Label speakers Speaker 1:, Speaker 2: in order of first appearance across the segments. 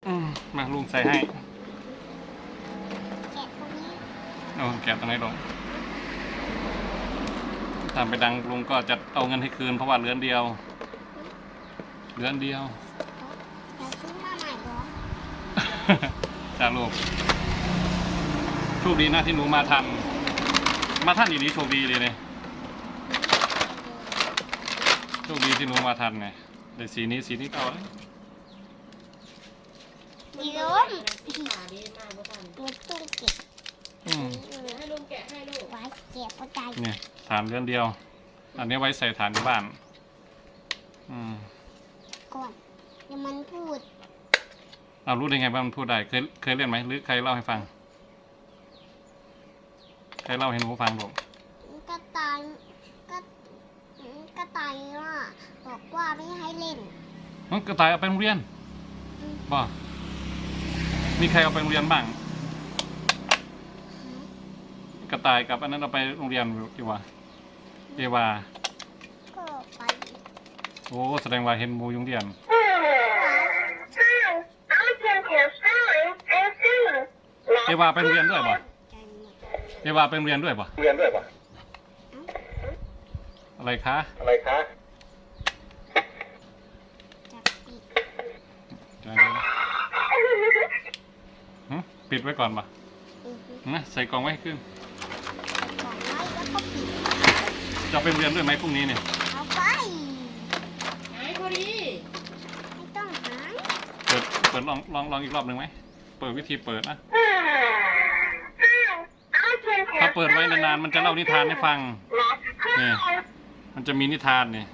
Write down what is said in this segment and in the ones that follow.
Speaker 1: มาลุงใส่ให้
Speaker 2: แกะตรงนี้
Speaker 1: โอ้แกะตรงไหนลงถ้าไปดังลุงก็จะเอาเงินให้คืนเพราะว่าเหลือนเดียว
Speaker 2: เดี๋ยวซื้อมาใหม่เหรอ
Speaker 1: จ้าลูกโชคดีนะที่หนูมาทันอีนี้โชคดีเลยเนี่ยโชคดีที่หนูมาทันไงเลยสีนี้เก่าเลย
Speaker 2: ดีล้มตัวตุ้งเก็บ
Speaker 3: ให้ลุงแกะให้ลูก
Speaker 2: ไว้เก็บเข้าใจ
Speaker 1: เนี่ยฐานเรือนเดียว อันนี้ไว้ใส่ฐานที่บ้าน
Speaker 2: ก่อนเดี๋ยวมันพูด
Speaker 1: เรารู้ได้ไงว่ามันพูดได้เคยเรียนไหมหรือใครเล่าให้ฟังใครเล่าให้หนูฟังลูก
Speaker 2: กระต่ายกระต่ายว่าบอกว่าไม่ให้เล่น
Speaker 1: มันกระต่ายเอาไปโรงเรียนบ่มีใครเอาไปโรงเรียนบ้างกระต่ายกับอันนั้นเอาไปโรงเรียนกี่วะเอวา
Speaker 2: ก็ไป
Speaker 1: โอ้แสดงว่าเห็นหมูยุงเรียนเอวาไปโรงเรียนด้วยบ่เอวาไปโรงเรียนด้วยบ่อะไรคะ
Speaker 2: จับปิด
Speaker 1: ปิดไว้ก่อนป่ะ
Speaker 2: อือฮึ
Speaker 1: นะใส่กล่องไว้ให้ขึ้น
Speaker 2: ก่อนไว้แล้วก็ปิด
Speaker 1: จะไปโรงเรียนด้วยไหมพรุ่งนี้เนี่ย
Speaker 2: เอาไป
Speaker 3: หายพอดี
Speaker 2: ไม่ต้องหา
Speaker 1: เปิดลองอีกรอบหนึ่งไหมเปิดวิธีเปิดนะถ้าเปิดไว้นานๆมันจะเล่านิทานให้ฟังนี่มันจะมีนิทานนี่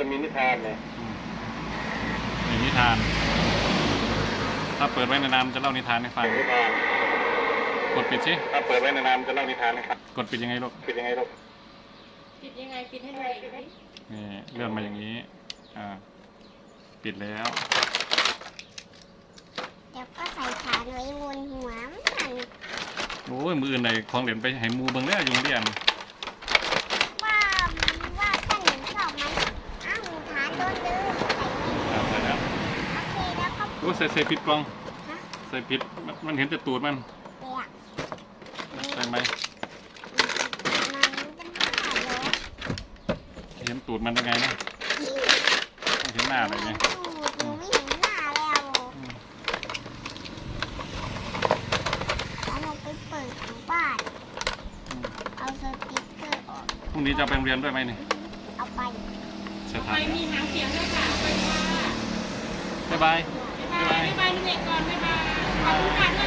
Speaker 1: นี่นิทาน ถ้าเปิดไว้นานๆมันจะเล่านิทานให้ฟังกดปิดสิถ้าเปิดไว้นานๆจะเล่านิทานให้ฟังกดปิดยังไงลูก
Speaker 3: ปิดยังไงปิดให้ดูอีกที
Speaker 1: นี่เลื่อนมาอย่างนี้ปิดแล้ว
Speaker 2: เดี๋ยวก็ใส่ฐานไว้บนหัวมัน
Speaker 1: โอ้ยมืออื่นไหนของเหรียญไปให้มูเบิ่งแล้วยุงเรียน
Speaker 2: ว่าท่านหนูชอบไหมอ้าวฐานโดนดื้อใส่ไว้
Speaker 1: ใส่แล้ว
Speaker 2: โอเคแล้วก็
Speaker 1: โอ้ใส่ผิดกล่อง
Speaker 2: ฮะ
Speaker 1: ใส่ผิดมันเห็นแต่ตูดมัน
Speaker 2: เปียก
Speaker 1: ใส่ไหม
Speaker 2: มันจะหาเหรอ
Speaker 1: เห็นตูดมันยังไงนะไม่เห็นหน้าเลยไง
Speaker 2: หนูไม่เห็นหน้าแล้วแล้วเราไปเปิดของบ้านเอาสติ๊กเกอร์ออก
Speaker 1: พรุ่งนี้จะไปโรงเรียนด้วยไหมนี่
Speaker 2: เอาไป
Speaker 1: เสีย
Speaker 3: ไป
Speaker 1: ทาน
Speaker 3: มีหางเสียงด้วยค่ะไปค่ะ
Speaker 1: บ๊ายบาย
Speaker 3: บ๊ายบายลุงเอกก่อนบ๊ายบายขอบคุณค่ะ